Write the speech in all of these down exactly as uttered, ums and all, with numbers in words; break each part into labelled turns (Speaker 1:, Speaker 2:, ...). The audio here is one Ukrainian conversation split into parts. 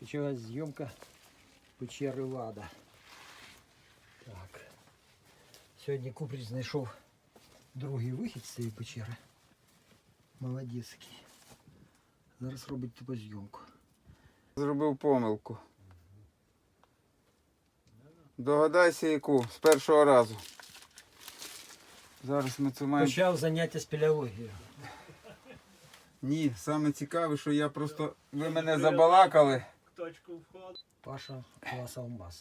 Speaker 1: Почалась зйомка печери Лада. Так. Сьогодні Куприч знайшов другий вихід з цієї печери. Молодецький. Зараз робить типозйомку.
Speaker 2: Зробив помилку. Догадайся яку, з першого разу. Зараз ми це маємо...
Speaker 1: Почав заняття спелеологією.
Speaker 2: Ні, саме цікаве, що я просто... Ви мене забалакали.
Speaker 3: Точку входу.
Speaker 1: Паша клас Алмаз.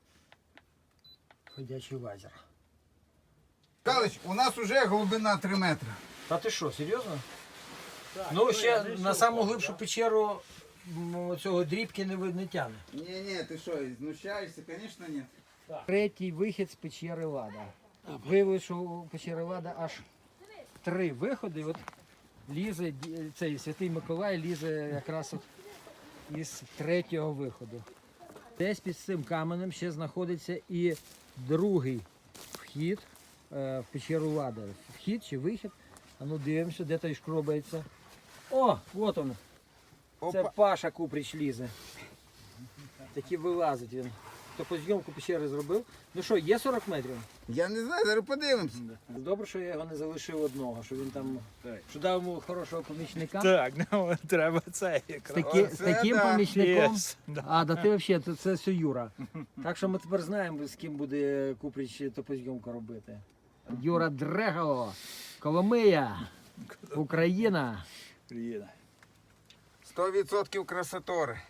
Speaker 1: Ходячий лазер.
Speaker 2: Калич, у нас вже глибина три метри.
Speaker 1: Та ти що, серйозно?
Speaker 3: Так,
Speaker 1: Ну ще
Speaker 3: я
Speaker 1: на
Speaker 3: знайшов,
Speaker 1: саму
Speaker 3: так,
Speaker 1: глибшу
Speaker 3: да.
Speaker 1: печеру м, цього дрібки не, ви- не тягне.
Speaker 2: Ні, ні, ти що, знущаєшся? Звісно, ні.
Speaker 1: Третій вихід з печери Лада. Виявилося, що у печери Лада аж три виходи. От лізе ді- цей Святий Миколай лізе якраз от із третього виходу. Десь під цим каменем ще знаходиться і другий вхід е, в печеру Лада. Вхід чи вихід. А ну дивимося, де той шкробається. О, от він. Це
Speaker 2: Опа.
Speaker 1: Паша Куприч лізе. Таки вилазить він. То по зйомку печери зробив. Ну що, є сорок метрів?
Speaker 2: Я не знаю, зараз подивимося.
Speaker 1: Добре, що я його не залишив одного, що він там, що дав йому хорошого помічника.
Speaker 3: Так, ну треба це
Speaker 1: З,
Speaker 3: якраз.
Speaker 1: таки, з
Speaker 2: Оце
Speaker 1: таким
Speaker 2: да.
Speaker 1: помічником.
Speaker 3: Єс, да.
Speaker 1: А, да ти взагалі, це, це все Юра. Так що ми тепер знаємо, з ким буде Куприч топозйомку робити. Юра Дрего, Коломия, Україна.
Speaker 3: Приїде.
Speaker 2: сто відсотків красотори.